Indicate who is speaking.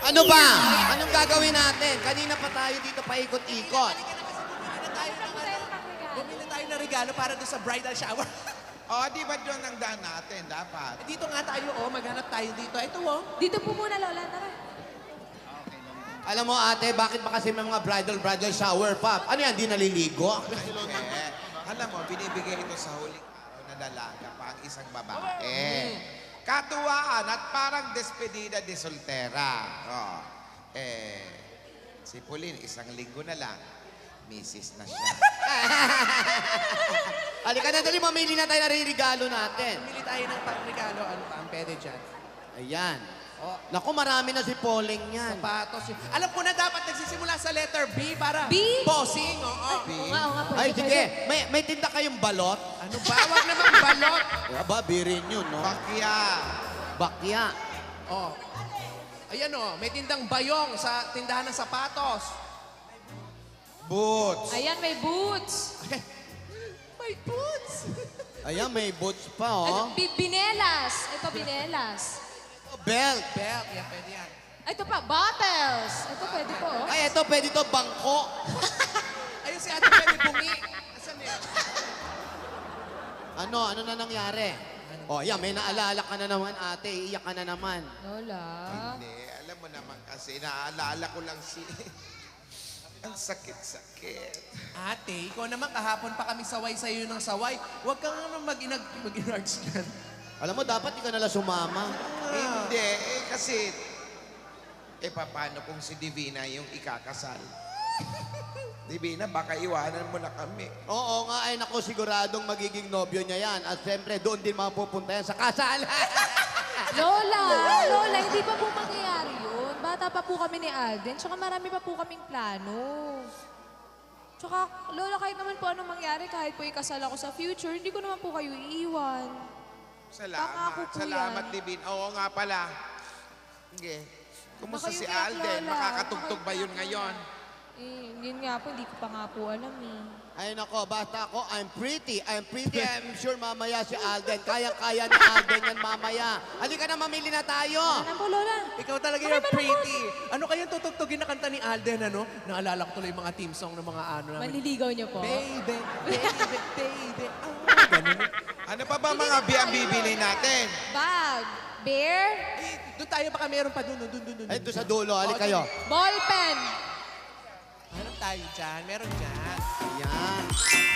Speaker 1: Ano ba? Anong gagawin natin? Kanina pa tayo dito paikot-ikot.
Speaker 2: Bumili tayo ng regalo para doon sa bridal shower.
Speaker 3: Di ba doon ang daan natin, dapat?
Speaker 2: Dito nga tayo, maghanap tayo dito. Ito,
Speaker 4: Dito po muna, Lola. Tara.
Speaker 1: Alam mo ate, bakit ba kasi may mga bridal shower pa? Ano yan, di naliligo?
Speaker 3: Alam mo, binibigay ito sa huling araw na dalaga pa ang isang babae. Katuwaan at parang despedida de soltera. Si Pauline, isang linggo na lang, misis na siya.
Speaker 1: Halika na, dali, mamili na tayo na regalo natin.
Speaker 2: bumili tayo ng pang-regalo. Ano pa ang pwede dyan?
Speaker 1: Ayan. Naku, marami na si Pauling yan.
Speaker 2: Sapatos. Alam ko na dapat nagsisimula sa letter B para
Speaker 4: B?
Speaker 2: bossing. Oo.
Speaker 4: Oo nga, pwede,
Speaker 1: Ay, sige.
Speaker 4: pwede.
Speaker 1: May tinda kayong balot?
Speaker 2: Ano ba? Huwag naman balot.
Speaker 1: Aba, birin yun, no?
Speaker 3: Bakya.
Speaker 1: Bakya.
Speaker 2: Oh. Ayan may tindang bayong sa tindahan ng sapatos.
Speaker 3: Boots.
Speaker 4: Ayan, may boots.
Speaker 2: May boots.
Speaker 1: Ayan, may boots pa,
Speaker 4: Ano,
Speaker 1: oh.
Speaker 4: binelas. Ito, binelas.
Speaker 1: Belt.
Speaker 2: Belt. Yan, pwede yan.
Speaker 4: Ito pa, bottles. Ito, pwede po. Oh.
Speaker 1: Ay, ito, pwede to, bangko.
Speaker 2: Ayun si ate pwede bungi. Asan yan?
Speaker 1: Ano na nangyari? Yan, may naalala ka na naman, ate. Iiyak ka na naman.
Speaker 4: Lola.
Speaker 3: Hindi, alam mo naman kasi, naaalala ko lang si... ang sakit-sakit.
Speaker 2: Ate, ikaw naman kahapon pa kami saway sa iyo ng saway. Huwag kang naman mag-inarts dyan.
Speaker 1: Alam mo, dapat di ka nalang sumama.
Speaker 3: Hindi, kasi... paano kung si Divina yung ikakasal? Divina, baka iwanan mo na kami.
Speaker 1: Oo nga, ay naku, siguradong magiging nobyo niya yan. At siyempre, doon din mapupunta yan sa kasal.
Speaker 4: Lola, hindi pa po mangyayari yun. Bata pa po kami ni Alden, tsaka marami pa po kaming plano. Tsaka, Lola, kahit naman po anong mangyari, kahit po ikasal ako sa future, hindi ko naman po kayo iiwan. Pangako
Speaker 3: Salamat.
Speaker 4: po
Speaker 3: Salamat,
Speaker 4: yan.
Speaker 3: Divina. Oo nga pala. Sige. Kumusta
Speaker 4: Baka
Speaker 3: si
Speaker 4: yung kaya,
Speaker 3: Alden?
Speaker 4: Lola.
Speaker 3: Makakatugtog ba yun
Speaker 4: Baka-
Speaker 3: ngayon?
Speaker 4: Yun nga po, hindi ko pa nga po alam eh.
Speaker 1: Ay nako, basta ako, I'm pretty. I'm sure mamaya si Alden. Kayang-kaya ni Alden yan mamaya. Halika na, mamili na tayo.
Speaker 4: Ano po, Lola?
Speaker 2: Ikaw talaga you're pretty. Ano kayang tutugtugin na kanta ni Alden, ano? Naalala ko tuloy yung mga team song ng mga ano namin.
Speaker 4: Manliligaw niyo po?
Speaker 2: Baby, baby, baby. Oh, ganun.
Speaker 3: Ano pa ba mga ang bibili natin?
Speaker 4: Bag, bear,
Speaker 2: Doon tayo baka meron pa doon.
Speaker 1: Ay, doon sa dulo, halik kayo.
Speaker 4: ball pen.
Speaker 2: Hanap tayo dyan. Meron dyan.